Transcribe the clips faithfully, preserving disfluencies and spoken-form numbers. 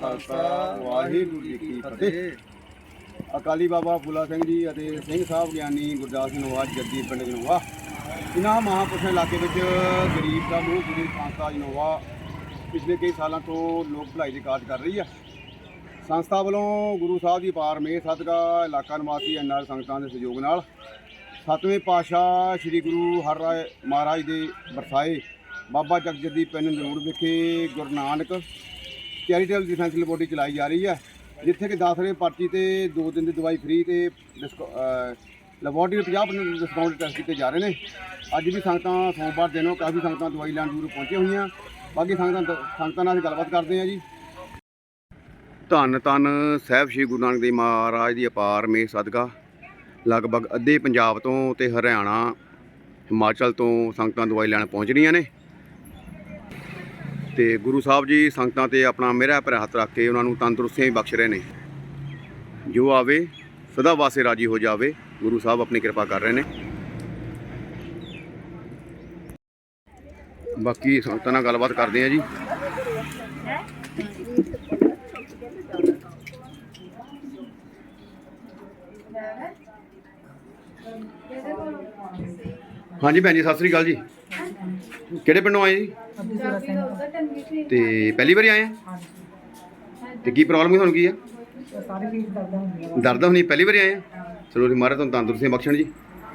खालसा वाहिगुरू जी की फतेह। अकाली बाबा फूला सिंह जी ਅਤੇ ਸਿੰਘ ਸਾਹਿਬ ਗਿਆਨੀ ਗੁਰਦਾਸ ਸਿੰਘ ਨਵਾਜ ਜੱਦੀ ਪਿੰਡ ਜਨੋਵਾ ਇਹਨਾਂ ਮਹਾਂਪੁਰਸ਼ਾਂ ਇਲਾਕੇ ਵਿੱਚ ਗਰੀਬ ਦਾ ਮੂੰਹ ਗੁਰੂ ਸੰਸਥਾ ਜਨੋਵਾ ਪਿਛਲੇ ਕਈ ਸਾਲਾਂ ਤੋਂ ਲੋਕ ਭਲਾਈ ਦੇ ਕਾਰਜ ਕਰ ਰਹੀ ਹੈ। ਸੰਸਥਾ ਵੱਲੋਂ ਗੁਰੂ ਸਾਹਿਬ ਦੀ ਪਾਰ ਮੇਰ ਸਦਕਾ ਇਲਾਕਾ ਨਿਵਾਸੀ ਐਨ ਆਰ ਸੰਗਤਾਂ ਦੇ ਸਹਿਯੋਗ ਨਾਲ ਸੱਤਵੇਂ ਪਾਤਸ਼ਾਹ ਸ੍ਰੀ ਗੁਰੂ ਹਰਿਰਾਏ ਮਹਾਰਾਜ ਦੇ ਵਰਸਾਏ ਬਾਬਾ ਜਗਜੱਦੀ ਪਿੰਡ ਨਰੂੜ ਵਿਖੇ Guru Nanak charitable defence laboratory ਚਲਾਈ ਜਾ ਰਹੀ ਹੈ, ਜਿੱਥੇ ਕਿ ਦਸ ਰੁਪਏ ਪਰਚੀ ਤੇ ਦੋ ਦਿਨ ਦੀ ਦਵਾਈ ਫ੍ਰੀ ਤੇ ਲੈਬੋਰਟਰੀ ਵਿੱਚ ਪੰਜਾਹ ਪਰਸੈਂਟ ਡਿਸਕਾਊਂਟ ਟੈਸਟ ਕੀਤੇ ਜਾ ਰਹੇ ਨੇ। ਅੱਜ ਵੀ ਸੰਗਤਾਂ ਸੋਮਵਾਰ ਦਿਨੋਂ ਕਾਫੀ ਸੰਗਤਾਂ ਦਵਾਈ ਲੈਣ ਦੂਰ ਪਹੁੰਚੇ ਹੋਈਆਂ। ਬਾਕੀ ਸੰਗਤਾਂ ਸੰਗਤਾਂ ਨਾਲ ਅਸੀਂ ਗੱਲਬਾਤ ਕਰਦੇ ਹਾਂ ਜੀ। ਧੰਨ ਧੰਨ ਸਾਹਿਬ ਸ਼੍ਰੀ ਗੁਰੂ ਨਾਨਕ ਦੇਵ ਮਹਾਰਾਜ ਦੀ ਅਪਾਰ ਮੇਰ ਸਦਕਾ ਲਗਭਗ ਅੱਧੇ ਪੰਜਾਬ ਤੋਂ ਤੇ ਹਰਿਆਣਾ ਹਿਮਾਚਲ ਤੋਂ ਸੰਗਤਾਂ ਦਵਾਈ ਲੈਣ ਪਹੁੰਚ ਰਹੀਆਂ ਨੇ ਤੇ ਗੁਰੂ ਸਾਹਿਬ ਜੀ ਸੰਗਤਾਂ ਤੇ ਆਪਣਾ ਮਿਹਰ ਭਰਿਆ ਹੱਥ ਰੱਖ ਕੇ ਉਹਨਾਂ ਨੂੰ ਤੰਦਰੁਸਤੀਆਂ ਹੀ ਬਖਸ਼ ਰਹੇ ਨੇ। ਜੋ ਆਵੇ ਸਦਾ ਵਾਸਤੇ ਰਾਜੀ ਹੋ ਜਾਵੇ, ਗੁਰੂ ਸਾਹਿਬ ਆਪਣੀ ਕਿਰਪਾ ਕਰ ਰਹੇ ਨੇ। ਬਾਕੀ ਸੰਗਤਾਂ ਨਾਲ ਗੱਲਬਾਤ ਕਰਦੇ ਆ ਜੀ। ਹਾਂਜੀ ਭੈਣ ਜੀ, ਸਤਿ ਸ੍ਰੀ ਅਕਾਲ ਜੀ। ਕਿਹੜੇ ਪਿੰਡੋਂ ਆਏ ਜੀ? ਤੇ ਪਹਿਲੀ ਵਾਰੀ ਆਏ ਆ? ਤੇ ਕੀ ਪ੍ਰੋਬਲਮ ਹੈ ਤੁਹਾਨੂੰ? ਕੀ ਆ? ਦਰਦ ਹੁੰਦੀ? ਪਹਿਲੀ ਵਾਰੀ ਆਏ ਆ? ਚਲੋ ਜੀ, ਮਹਾਰਾਜ ਤੁਹਾਨੂੰ ਤੰਦਰੁਸਤੀਆਂ ਬਖਸ਼ਣ ਜੀ।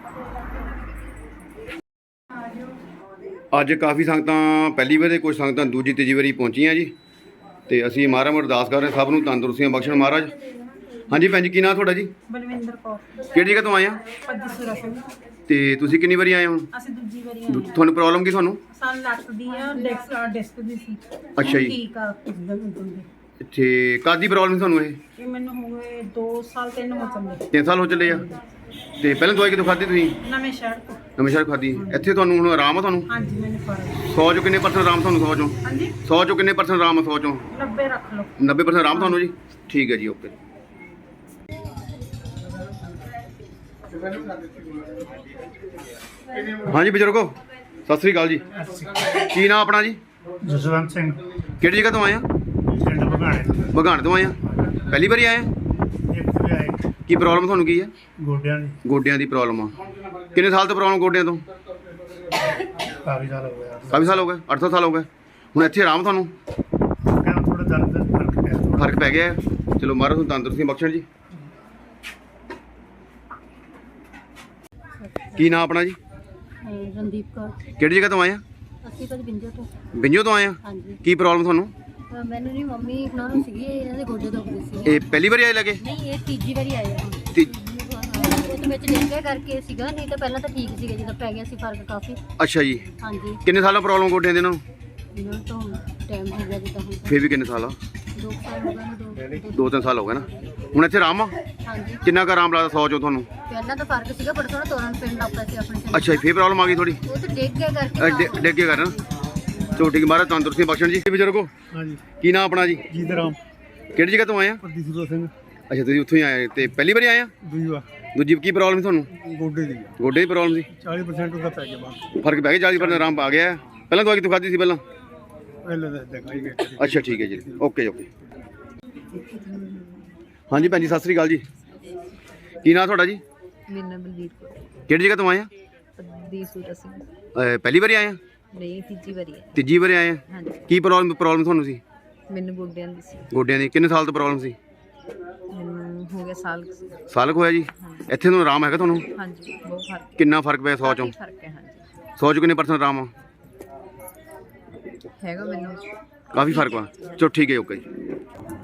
ਅੱਜ ਕਾਫੀ ਸੰਗਤਾਂ ਪਹਿਲੀ ਵਾਰੀ, ਕੁਝ ਸੰਗਤਾਂ ਦੂਜੀ ਤੀਜੀ ਵਾਰੀ ਪਹੁੰਚੀਆਂ ਜੀ ਤੇ ਅਸੀਂ ਮਹਾਰਾਜ ਨੂੰ ਅਰਦਾਸ ਕਰ ਰਹੇ ਸਭ ਨੂੰ ਤੰਦਰੁਸਤੀਆਂ ਬਖਸ਼ਣ ਮਹਾਰਾਜ। ਹਾਂਜੀ ਭੈਣ ਜੀ, ਕੀ ਨਾਮ ਤੁਹਾਡਾ ਜੀ? ਬਲਵਿੰਦਰ ਕੌਰ। ਕਿਹੜੀ ਜਗ੍ਹਾ ਤੋਂ ਆਏ ਆ? ਪੱਦੀਸੂਰਾ ਸਿੰਘ। ਤੇ ਤੁਸੀਂ ਕਿੰਨੀ ਵਾਰੀ ਆਏ ਹੋ? ਅਸੀਂ ਦੂਜੀ ਵਾਰੀ ਆਏ। ਤੁਹਾਨੂੰ ਪ੍ਰੋਬਲਮ ਕੀ? ਤੁਹਾਨੂੰ ਸਾਨੂੰ ਲੱਤ ਦੀ ਆ, ਡਿਸਕ ਡਿਸਕ ਦੀ ਸੀ। ਅੱਛਾ ਜੀ। ਠੀਕ ਆ। ਤੇ ਕਾਦੀ ਪ੍ਰੋਬਲਮ ਤੁਹਾਨੂੰ? ਇਹ ਇਹ ਮੈਨੂੰ ਹੋ ਗਏ ਦੋ ਸਾਲ ਤਿੰਨ ਹੋ ਚੱਲੇ। ਤਿੰਨ ਸਾਲ ਹੋ ਚੱਲੇ ਆ। ਤੇ ਪਹਿਲਾਂ ਦਵਾਈ ਕਿਦੋਂ ਖਾਧੀ ਤੁਸੀਂ? ਨਵੇਂ ਸ਼ਹਿਰ ਤੋਂ। ਨਵੇਂ ਸ਼ਹਿਰ ਖਾਧੀ। ਇੱਥੇ ਤੁਹਾਨੂੰ ਹੁਣ ਆਰਾਮ ਆ? ਤੁਹਾਨੂੰ ਹਾਂਜੀ, ਮੈਨੂੰ ਫਰਕ। ਸੌ ਚੋਂ ਕਿੰਨੇ ਪਰਸੈਂਟ ਆਰਾਮ ਤੁਹਾਨੂੰ? ਸੌ ਚੋਂ ਹਾਂਜੀ, ਸੌ ਚੋਂ ਕਿੰਨੇ ਪਰਸੈਂਟ ਆਰਾਮ? ਸੌ ਚੋਂ ਨੱਬੇ ਰੱਖ ਲਓ। ਨੱਬੇ ਪਰਸੈਂਟ ਆਰਾਮ ਤੁਹਾਨੂੰ ਜੀ? ਠੀਕ ਹੈ ਜੀ, ਓਕੇ। ਹਾਂਜੀ ਬਜ਼ੁਰਗੋ, ਸਤਿ ਸ੍ਰੀ ਅਕਾਲ ਜੀ। ਕੀ ਨਾਮ ਆਪਣਾ ਜੀ? ਜਸਵੰਤ ਸਿੰਘ। ਕਿਹੜੀ ਜਗ੍ਹਾ ਤੋਂ ਆਏ ਆ? ਪਿੰਡ ਬਘਾਣੇ ਤੋਂ। ਬਘਾਣੇ ਤੋਂ ਆਏ ਆ? ਪਹਿਲੀ ਵਾਰੀ ਆਏ ਆ? ਇੱਕ ਵੀ ਆਏ। ਕੀ ਪ੍ਰੋਬਲਮ ਤੁਹਾਨੂੰ? ਕੀ ਹੈ? ਗੋਡਿਆਂ ਦੀ। ਗੋਡਿਆਂ ਦੀ ਪ੍ਰੋਬਲਮ ਆ। ਕਿੰਨੇ ਸਾਲ ਤੋਂ ਪ੍ਰੋਬਲਮ ਗੋਡਿਆਂ ਤੋਂ? ਕਾਫੀ ਸਾਲ ਹੋ ਗਿਆ। ਕਾਫੀ ਸਾਲ ਹੋ ਗਏ? ਅੱਠ ਸੌ ਸਾਲ ਹੋ ਗਏ। ਹੁਣ ਇੱਥੇ ਆਰਾਮ ਤੁਹਾਨੂੰ? ਕਹਿੰਦਾ ਥੋੜਾ ਦਰਦ ਦਾ ਫਰਕ ਪਿਆ। ਥੋੜ੍ਹਾ। ਫਰਕ ਪੈ ਗਿਆ ਹੈ? ਚਲੋ ਮਹਾਰਾਜ ਤੁਹਾਨੂੰ ਤੰਦਰੁਸਤੀ ਬਖਸ਼ਣ ਜੀ। ਕੀ ਨਾਮ ਆਪਣਾ ਜੀ? ਰਣਦੀਪ ਕੌਰ। ਕਿਹੜੀ ਜਗ੍ਹਾ ਤੋਂ ਆਏ ਆ? ਅਸੀਂ ਤਾਂ ਬਿੰਜੋ ਤੋਂ। ਬਿੰਜੋ ਤੋਂ ਆਏ ਆ? ਹਾਂਜੀ। ਕੀ ਪ੍ਰੋਬਲਮ ਤੁਹਾਨੂੰ? ਮੈਨੂੰ ਨਹੀਂ, ਮੰਮੀ ਨਾਲ ਸੀਗੀ, ਇਹਨਾਂ ਦੇ ਗੋਡੇ ਦੁਖਦੇ ਸੀ। ਇਹ ਪਹਿਲੀ ਵਾਰੀ ਆਏ ਲੱਗੇ? ਨਹੀਂ, ਇਹ ਤੀਜੀ ਵਾਰੀ ਆਏ ਆ। ਤੀ- ਉਹ ਤਾਂ ਵਿੱਚ ਡਿੱਗਿਆ ਕਰਕੇ ਸੀਗਾ, ਨਹੀਂ ਤਾਂ ਪਹਿਲਾਂ ਤਾਂ ਠੀਕ ਸੀਗਾ, ਜਦੋਂ ਪੈ ਗਿਆ ਸੀ ਫਰਕ ਕਾਫੀ। ਅੱਛਾ ਜੀ। ਹਾਂਜੀ। ਕਿੰਨੇ ਸਾਲਾਂ ਪ੍ਰੋਬਲਮ ਗੋਡਿਆਂ ਦੀ ਇਹਨਾਂ ਨੂੰ? ਇਹਨਾਂ ਤੋਂ ਟਾਈਮ ਹੋ ਗਿਆ ਜਿੱਦਾਂ ਹੁਣ ਫੇਰ ਵੀ ਕਿੰਨੇ ਸਾਲ ਆ? ਦੋ ਕੁ ਸਾਲ ਹੋ ਗਏ ਨੇ, ਦੋ ਦੋ- ਦੋ ਤਿੰਨ ਸਾਲ ਹੋ ਗਏ ਨਾ। ਹੁਣ ਇੱਥੇ ਆਰਾਮ ਆ? ਹਾਂਜੀ। ਕਿੰਨਾ ਕੁ ਆਰਾਮ ਲੱਗਦਾ ਸੌ ਚੋਂ ਤੁਹਾਨੂੰ? ਪਹਿਲਾਂ ਤਾਂ ਫਰਕ ਸੀਗਾ, ਬੜਾ ਸੋਹਣਾ ਤੋਰਨ ਫਿਰਨ ਲੱਗ ਪਿਆ ਸੀ ਆਪਣੇ ਸਰੀਰ। ਅੱਛਾ ਜੀ, ਫੇਰ ਪ੍ਰੋਬਲਮ ਆ ਗਈ ਥੋੜੀ? ਉਹ ਤਾਂ ਡਿੱਗ ਗਿਆ ਕਰਕੇ। ਡਿੱਗ ਕੇ ਕਰਨ। ਚਲੋ ਠੀਕ, ਮਹਾਰਾਜ ਤੰਦਰੁਸਤੀ ਬਖਸ਼ਣ ਜੀ। ਬਜ਼ੁਰਗੋ, ਹਾਂਜੀ। ਕੀ ਨਾਮ ਆਪਣਾ ਜੀ? ਜੀਤ ਰਾਮ। ਕਿਹੜੀ ਜਗ੍ਹਾ ਤੋਂ ਆਏ ਆ? ਪੱਦੀਸੂਰਾ ਸਿੰਘ। ਅੱਛਾ, ਤੁਸੀਂ ਉੱਥੋਂ ਹੀ ਆਏ ਤੇ ਪਹਿਲੀ ਵਾਰੀ ਆਏ ਆ? ਦੂਜੀ ਵਾਰ। ਦੂਜੀ ਕੀ ਪ੍ਰੋਬਲਮ ਸੀ ਤੁਹਾਨੂੰ? ਗੋਡੇ ਦੀ। ਗੋਡੇ ਦੀ ਪ੍ਰੋਬਲਮ ਸੀ? ਚਾਲੀ ਪਰਸੈਂਟ ਉਹਦਾ ਪੈ ਗਿਆ ਬਾਅਦ। ਫਰਕ ਪੈ ਗਿਆ? ਚਾਲੀ ਪਰਸੈਂਟ ਆਰਾਮ ਆ ਗਿਆ ਹੈ? ਪਹਿਲਾਂ ਦਵਾਈ ਕਿਤੋਂ ਖਾਧੀ ਸੀ ਪਹਿਲਾਂ? ਪਹਿਲੇ ਤਾਂ ਦਿਖਾਈ ਗਏ। ਅੱਛਾ ਠੀਕ ਹੈ ਜੀ, ਓਕੇ ਓਕੇ। ਹਾਂਜੀ ਭੈਣ ਜੀ, ਸਤਿ ਸ੍ਰੀ ਅਕਾਲ ਜੀ। ਕੀ ਨਾਮ ਤੁਹਾਡਾ ਜੀ? ਮੇਰਾ ਨਾਮ ਬਲਵੀਰ ਕੌਰ। ਕਿਹੜੀ ਜਗ੍ਹਾ ਤੋਂ ਆਏ ਆ? ਪੱਦੀਸੂਰਾ ਸਿੰਘ। ਅਹ ਪਹਿਲੀ ਵਾਰੀ ਆਏ ਆ? ਨਹੀਂ, ਤੀਜੀ ਵਾਰੀ ਹੈ। ਤੀਜੀ ਵਾਰੀ ਆਏ ਆ? ਹਾਂਜੀ। ਕੀ ਪ੍ਰੋਬਲਮ ਪ੍ਰੋਬਲਮ ਤੁਹਾਨੂੰ ਸੀ? ਮੈਨੂੰ ਗੋਡਿਆਂ ਦੀ ਸੀ। ਗੋਡਿਆਂ ਦੀ? ਕਿੰਨੇ ਸਾਲ ਤੋਂ ਪ੍ਰੋਬਲਮ ਸੀ? ਮੈਨੂੰ ਹੋ ਗਿਆ ਸਾਲ। ਸਾਲ ਕੁ ਹੋਇਆ ਜੀ? ਇੱਥੇ ਤੁਹਾਨੂੰ ਆਰਾਮ ਹੈਗਾ ਤੁਹਾਨੂੰ? ਹਾਂਜੀ, ਬਹੁਤ ਫਰਕ। ਕਿੰਨਾ ਫਰਕ ਪਿਆ ਸੌ ਚੋਂ? ਫਰਕ ਹੈ। ਹਾਂਜੀ, ਸੌ ਚੋਂ ਕਿੰਨੇ ਪਰਸੈਂਟ ਆਰਾਮ ਆ? ਹੈਗਾ ਮੈਨੂੰ। ਕਾਫੀ ਫਰਕ ਆ। ਚਲੋ ਠੀਕ ਹੈ, ਓਕੇ ਜੀ।